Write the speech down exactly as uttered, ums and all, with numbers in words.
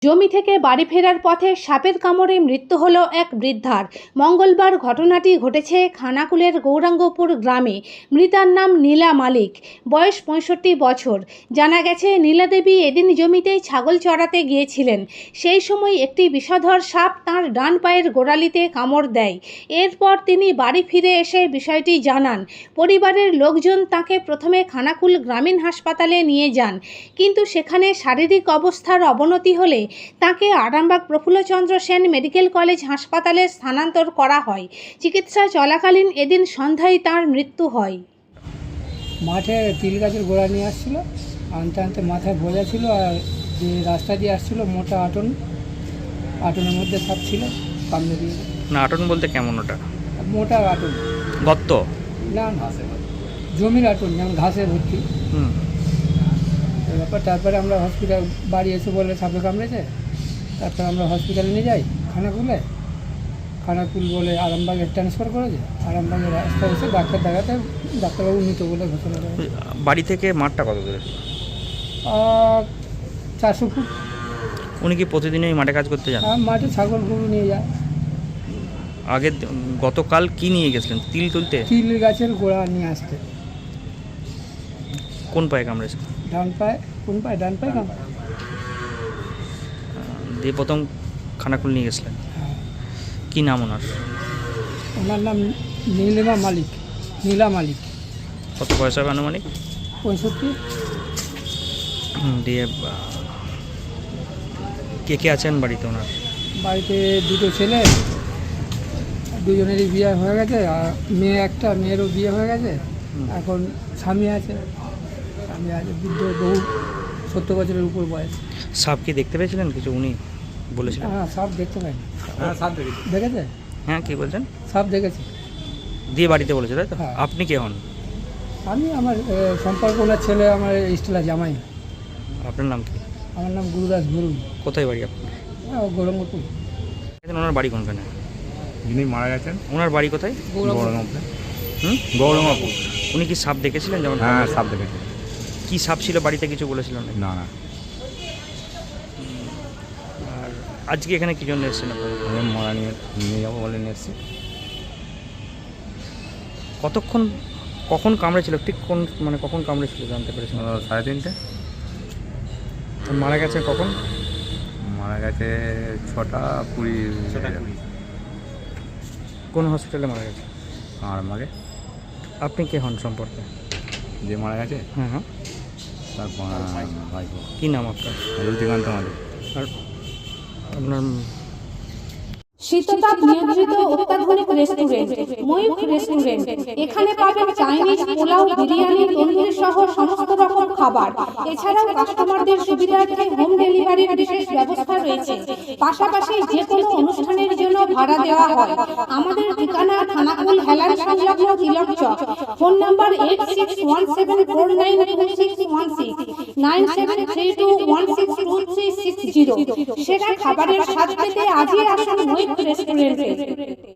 জমি থেকে বাড়ি ফেরার পথে সাপের কামড়ে মৃত্যু হলো এক বৃদ্ধার। মঙ্গলবার ঘটনাটি ঘটেছে খানাকুলের গৌরাঙ্গপুর গ্রামে। মৃতার নাম নীলা মালিক, বয়স পঁয়ষট্টি বছর। জানা গেছে, নীলা দেবী এদিন জমিতেই ছাগল চড়াতে গিয়েছিলেন। সেই সময় একটি বিষধর সাপ তাঁর ডান পায়ের গোড়ালিতে কামড় দেয়। এরপর তিনি বাড়ি ফিরে এসে বিষয়টি জানান। পরিবারের লোকজন তাঁকে প্রথমে খানাকুল গ্রামীণ হাসপাতালে নিয়ে যান, কিন্তু সেখানে শারীরিক অবস্থার অবনতি হলে তাকে আরামবাগ প্রফুল্লচন্দ্র সেন মেডিকেল কলেজ হাসপাতালে স্থানান্তর করা হয়। চিকিৎসা চলাকালীন এদিন সন্ধ্যায় তাঁর মৃত্যু হয়। মাঠে তিল গাছের গোড়া নিয়ে আসছিল, আনতে আনতে মাথায় বোঝা ছিল, আর যে রাস্তা দিয়ে আসছিল মোটা আটন, আটনের মধ্যে সাপ ছিল, কামড়ে দিয়ে। না, আটন বলতে কেমন? ওটা মোটা আটন, গর্ত? না না, জমির আটন, যেমন ঘাসে ভর্তি। হুম ব্যাপার। তারপরে আমরা হসপিটাল বাড়ি এসে বলে সাপে কামড়েছে। তারপরে আমরা হসপিটালে নিয়ে যাই, খানাকুলে। খানাকুল বলে আরামবাগে ট্রান্সফার করেছে। আরামবাগের রাস্তা এসে ডাক্তার দেখাতে ডাক্তারবাবু মৃত বলে ঘোষণা করে। বাড়ি থেকে মাঠটা কত দূরে? চারশো ফুট। উনি কি প্রতিদিনই মাঠে কাজ করতে যান? মাঠে ছাগল গরু নিয়ে যায়। আগে গতকাল কি নিয়ে গেছিলেন? তিল তুলতে? তিল গাছের গোড়া নিয়ে আসতে। কোন পায়ে কামড়েছে? ডান পায়ে। কোন পায়ে? ডান পায়ে কামড়। দিয়ে প্রথম খানাকুল নিয়ে গেছিলেন। হ্যাঁ। কি নাম ওনার? ওনার নাম নীলিমা মালিক, নীলা মালিক। কত বয়স হবে আনুমানিক? পঁয়ষট্টি। দিয়ে কে কে আছেন বাড়িতে ওনার? বাড়িতে দুটো ছেলে, দুজনেরই বিয়ে হয়ে গেছে, আর মেয়ে একটা, মেয়েরও বিয়ে হয়ে গেছে। এখন স্বামী আছে, স্বামী আছে, বৃদ্ধ, বহু সত্তর বছরের উপর বয়স। সাপ কি দেখতে পেয়েছিলেন কিছু? উনি বলেছিলেন। হ্যাঁ, সাপ দেখতে পাই। হ্যাঁ, সাপ দেখেছে। দেখেছে? হ্যাঁ, কি বলছেন? সাপ দেখেছে। দিয়ে বাড়িতে বলেছে, তাই তো? হ্যাঁ। আপনি কে হন? আমি, আমার সম্পর্ক ওনার ছেলে, আমার স্টেলা জামাই। আপনার নাম কি? আমার নাম গুরুদাস গুরু। কোথায় বাড়ি আপনার? গৌরাঙ্গপুর। ওনার বাড়ি কোনখানে? যিনি মারা গেছেন ওনার বাড়ি কোথায়? গৌরঙ্গপুর। হুম, গৌরঙ্গপুর। উনি কি সাপ দেখেছিলেন? যেমন হ্যাঁ, সাপ দেখেছি। কি সাপ ছিল বাড়িতে কিছু বলেছিলেন? না না, আর আজকে এখানে কি জন্য এসেছেন আপনারা? আমি মরা নিয়ে নিয়ে যাবো বলে নিয়ে এসেছি। কতক্ষণ, কখন কামড়েছিল ঠিক কোন, মানে কখন কামড়েছিল জানতে পেরেছেন? ও, সাড়ে তিনটে। আর মারা গেছে কখন? মারা গেছে ছটা কুড়ি। ছটা কুড়ি। কোন হসপিটালে মারা গেছে? আর আমাকে আপনি কে হন সম্পর্কে? যে মারা গেছে হ্যাঁ হ্যাঁ। তারপর ভাইপো। কী নাম আপনার? রুচিকান্ত মালিক। আর আপনার? শীততাপ নিয়ন্ত্রিত অত্যাধুনিক রেস্টুরেন্ট ময়ূখ রেস্টুরেন্ট। এখানে পাবেন চাইনিজ, পোলাও, বিরিয়ানি, তন্দুরি সহ সমস্ত রকম খাবার। এছাড়াও কাস্টমারদের সুবিধার্থে হোম ডেলিভারির বিশেষ ব্যবস্থা রয়েছে। পাশাপাশি যে কোনো অনুষ্ঠানের জন্য ভাড়া দেওয়া হয়। আমাদের ঠিকানা খানাকুল হেলান সংলগ্ন Tilak Chak. Phone number eight six one seven four nine two six one six, nine seven three two one six two three six zero. সেরা খাবারের স্বাদ পেতে আজই আসুন ময়ূখ রেস্টুরেন্টে।